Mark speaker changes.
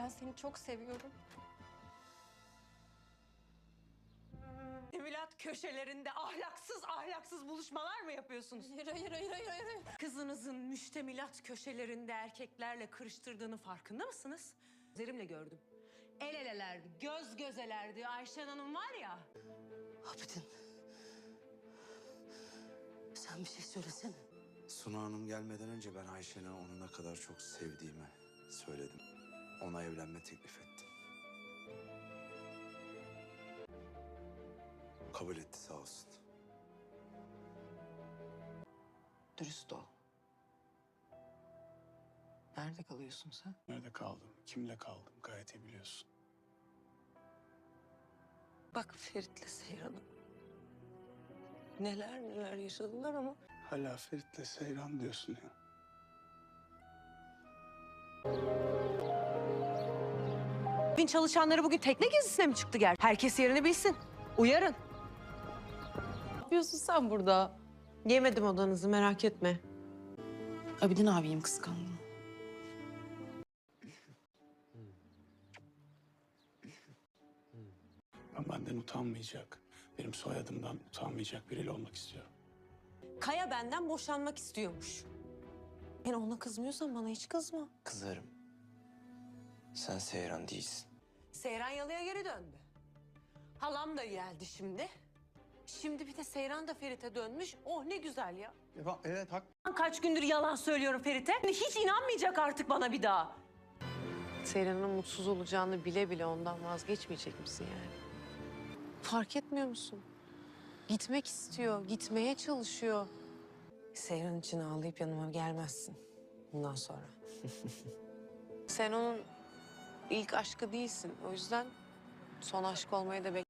Speaker 1: Ben seni çok seviyorum.
Speaker 2: Mütemülat köşelerinde ahlaksız buluşmalar mı yapıyorsunuz?
Speaker 1: Hayır.
Speaker 2: Kızınızın müştemilat köşelerinde erkeklerle kırıştırdığını farkında mısınız? Üzerimle gördüm. El elelerdi, göz gözelerdi. Ayşen Hanım var ya.
Speaker 3: Abidin. Sen bir şey söylesene.
Speaker 4: Suna Hanım gelmeden önce ben Ayşen'e onu ne kadar çok sevdiğimi söyledim. Ona evlenme teklif ettim. Kabul etti sağ olsun.
Speaker 3: Dürüst ol. Nerede kalıyorsun sen?
Speaker 5: Nerede kaldım? Kimle kaldım? Gayet iyi biliyorsun.
Speaker 3: Bak Ferit'le Seyran'ım. Neler yaşadılar ama...
Speaker 5: Hala Ferit'le Seyran diyorsun ya.
Speaker 2: Bin çalışanları bugün tekne gezisine mi çıktı Herkes yerini bilsin. Uyarın.
Speaker 3: Ne yapıyorsun sen burada?
Speaker 2: Yemedim odanızı merak etme.
Speaker 3: Abidin abiyim, kıskandım.
Speaker 5: Ben benden utanmayacak, benim soyadımdan utanmayacak biriyle olmak istiyorum.
Speaker 2: Kaya benden boşanmak istiyormuş. Yani ona kızmıyorsan bana hiç kızma.
Speaker 6: Kızarım. Sen Seyran değilsin.
Speaker 2: Seyran Yalı'ya geri döndü. Halam da geldi şimdi. Şimdi bir de Seyran da Ferit'e dönmüş. Oh ne güzel ya.
Speaker 6: Evet
Speaker 2: Kaç gündür yalan söylüyorum Ferit'e. Hiç inanmayacak artık bana bir daha.
Speaker 7: Seyran'ın mutsuz olacağını bile bile ondan vazgeçmeyecek misin yani? Fark etmiyor musun? Gitmek istiyor, gitmeye çalışıyor. Seyran için ağlayıp yanıma gelmezsin bundan sonra. Sen onun ilk aşkı değilsin. O yüzden son aşk olmayı da